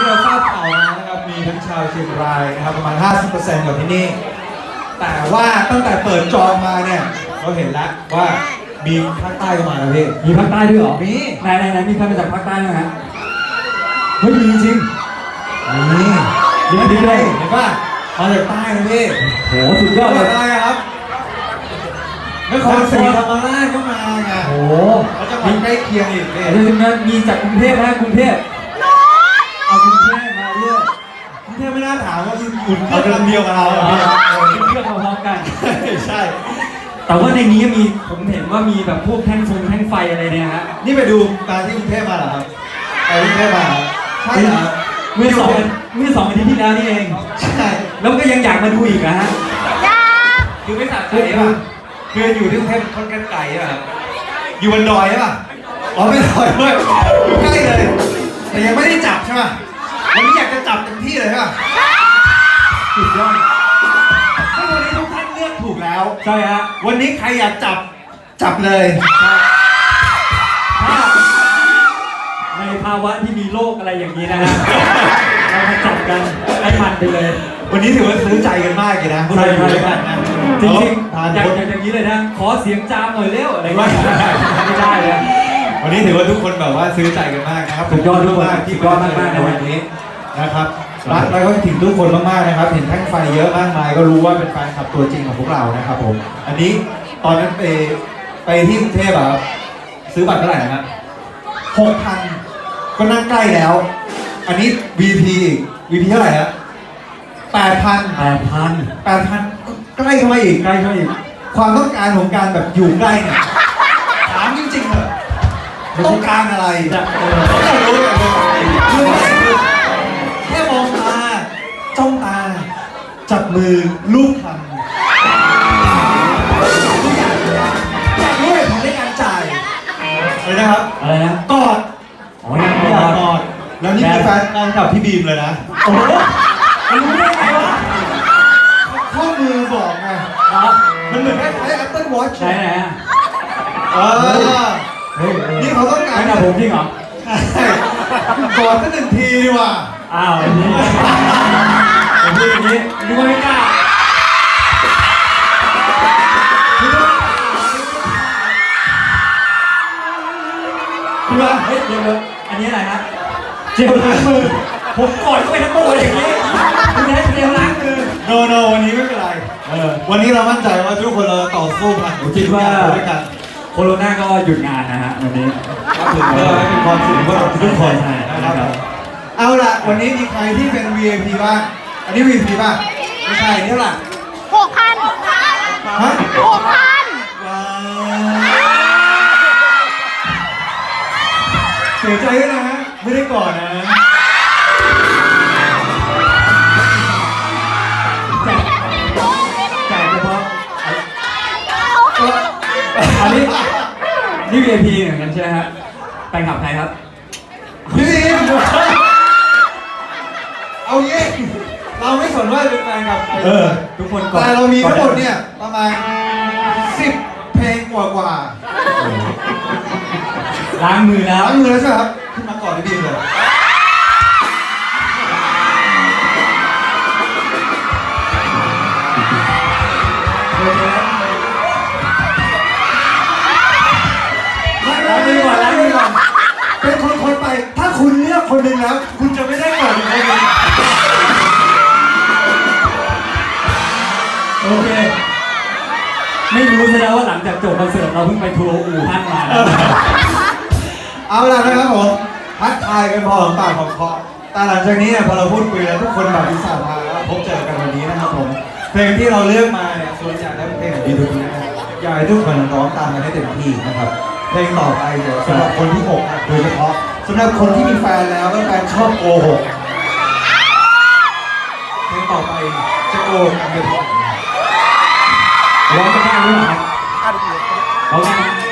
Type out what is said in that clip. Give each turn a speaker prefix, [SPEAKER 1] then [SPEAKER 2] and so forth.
[SPEAKER 1] ที่เราทราบข่าวมานะครับมีทั้งชาวเชียงรายนะครับประมาณ 50% กับที่นี่แต่ว่าตั้งแต่เปิดจองมาเนี่ยเราเห็นแล้วว่ามีภาคใต้ก็มาแล้วพี่
[SPEAKER 2] มีภาคใต้ด้วยเหรอ
[SPEAKER 1] มี
[SPEAKER 2] ไหนมีใครมาจากภาคใต้ไหมฮะเฮ้ยมีจริง
[SPEAKER 1] นี่
[SPEAKER 2] ดีเลย
[SPEAKER 1] เห็นป่ะมาจากใต้นะพี่
[SPEAKER 2] โหสุดยอดเลย
[SPEAKER 1] ใต้ครับนครศรีธรรมราชก็มาไง
[SPEAKER 2] โห
[SPEAKER 1] แล้วจังหวัดใกล้เคียงอีกเนี่ย
[SPEAKER 2] เดี๋ยวมีจากกรุงเทพนะกรุงเทพเอากรุงเทพมาด้วย
[SPEAKER 1] กรุงเทพไม่น่าถามว่าอุ่นเครื่องลำเดียวกับเรา
[SPEAKER 2] ขึ้นเครื่องพร้อมกัน
[SPEAKER 1] ใช่
[SPEAKER 2] แต่ว่าในนี้มีผมเห็นว่ามีแบบพวกแท่งไฟอะไรเนี่ยฮะ
[SPEAKER 1] นี่ไปดูการที่กรุงเทพมาเหรอครับไปกรุงเทพมาใช่เหรอ
[SPEAKER 2] เมื่อสองอาทิตย์ที่แล้วนี่เอง
[SPEAKER 1] ใช่
[SPEAKER 2] แล้วก็ยังอยากมาดูอีกนะฮะ
[SPEAKER 1] คือไม่สะใจป่ะคืออยู่ที่กรุงเทพค่อนข้างไกลอ่ะอยู่บนดอยใช่ป่ะอ๋อไม่ดอยด้วยอยู่ใกล้เลยแต่ยังไม่ได้จับใช่ป่ะวันนี้อยากจะจับเต็มที่เลยใช่ป่ะ
[SPEAKER 2] สุดยอด
[SPEAKER 1] ซึ่งวันนี้ทุกท่านเลือกถูกแล้ว
[SPEAKER 2] ใช่ฮะ
[SPEAKER 1] วันนี้ใครอยากจับเลย
[SPEAKER 2] ถ้าในภาวะที่มีโรคอะไรอย่างนี้นะฮะเรามาจับกันให้มันไปเลย
[SPEAKER 1] วันนี้ถือว่าซื้อใจกันมากเลยนะ
[SPEAKER 2] ใช่
[SPEAKER 1] กันนะ
[SPEAKER 2] จริงๆอย่างนี้เลยนะขอเสียงจามหน่อยเร็วอะไรไม่ได้เลย
[SPEAKER 1] วันนี้ถือว่าทุกคนแบบว่าซื้อใจกันมากนะครับ
[SPEAKER 2] สุดยอดมาก
[SPEAKER 1] ที่ยอดมากในวันนี้นะครับรักแล้วก็ถึงทุกคนมากๆนะครับเห็นแท่งไฟเยอะมากมายก็รู้ว่าเป็นแฟนคลับตัวจริงของพวกเรานะครับผมอันนี้ตอนนั้นไปที่กรุงเทพแบบซื้อบัตรเท่าไหร่นะครับ 6,000 ก็นั่งใกล้แล้ว อันนี้ VP อีก VP เท่าไหร่ฮะ 8,000 ใกล้เข้ามาอีกความต้องการของการแบบอยู่ใกล้เนี่ยถามจริงๆเหรอต้องการอะไรต้องรู้อย่างเดียวคือแค่มองตาจ้องตาจับมือลูบคำด้วยของในการจ่ายอะไรนะครับ
[SPEAKER 2] อะไรนะ
[SPEAKER 1] กอด
[SPEAKER 2] อ๋อยังกอด
[SPEAKER 1] แล้วนี่คือแฟนกับพี่บีมเลยนะ
[SPEAKER 2] โอ้โหรู้ได้ไงวะ
[SPEAKER 1] ข้อมือบอกไงมันเหมือนคล้ายๆ Apple Watch
[SPEAKER 2] ใช่ไหม
[SPEAKER 1] นี่เขาต้องการ
[SPEAKER 2] กับผมจริงเหรอ
[SPEAKER 1] ใช่กอดสัก1 ทีดีกว่า
[SPEAKER 2] อ้าวอย่างนี้นึกว่าไม่กล้าคือว่าเฮ้ยเดี๋ยวอันนี้อะไรฮะเจลล้างมือผมกอดเข้าไปทั้งตัวอย่างนี้คุณได้เจลล้างมือ
[SPEAKER 1] โนวันนี้ไม่เป็นไรวันนี้เรามั่นใจว่าทุกคนเราต่อสู้ผ่าน
[SPEAKER 2] คิดว่า
[SPEAKER 1] ด้วยกัน
[SPEAKER 2] โควิดก็หยุดงานนะฮะวันนี้
[SPEAKER 1] ก็ถือว่าเป็นความสุขของทุกคนนะครับเอาล่ะวันนี้มีใครที่เป็น VIP บ้างอันนี้ VIP บ้างไม่ใช่นี่ล่ะ
[SPEAKER 3] 6,000
[SPEAKER 1] ฮะเสียใจด้วยนะฮะไม่ได้ก่อนนะ
[SPEAKER 2] จ่ายเฉพาะอันนี้VIP เหมือนกันใช่ไหมฮะแฟนคลับใครครับ
[SPEAKER 1] พี่เอาเย่เราไม่สนว่าเป็นแฟนกับใคร
[SPEAKER 2] ทุกคนก่อน
[SPEAKER 1] แต่เรามีทั้งหมดเนี่ยประมาณ10 เพลงกว่า
[SPEAKER 2] ล้างมือแล้ว
[SPEAKER 1] ใช่ไหมครับขึ้นมาก่อนพี่บีมเลย
[SPEAKER 2] ล้างมือก่อน
[SPEAKER 1] เป็นคนไปถ้าคุณเลือกคนหนึ่งแล้วคุณจะไม่ได้ก่อนอีกคนนึง
[SPEAKER 2] โอเคไม่รู้ซะแล้วว่าหลังจากจบคอนเสิร์ตเราเพิ่งไปทัวร์อู่ฮั่นมา
[SPEAKER 1] เอาล่ะนะครับผมทักทายกันพอของปากของคอแต่หลังจากนี้เนี่ยพอเราพูดคุยแล้วทุกคนแบบวิสาพาพบเจอกันวันนี้นะครับผมเพลงที่เราเลือกมาเนี่ยส่วนใหญ่แล้วเป็นเพลงของดีดูนะครับอยากให้ทุกคนร้องตามกันให้เต็มที่นะครับเพลงต่อไปเดี๋ยวสำหรับคนที่อกหักโดยเฉพาะสำหรับคนที่มีแฟนแล้วแล้วแฟนชอบโกหกเพลงต่อไปจะโกหกกันเป็น
[SPEAKER 2] ร้องกันได้หรือเปล่าร้องกัน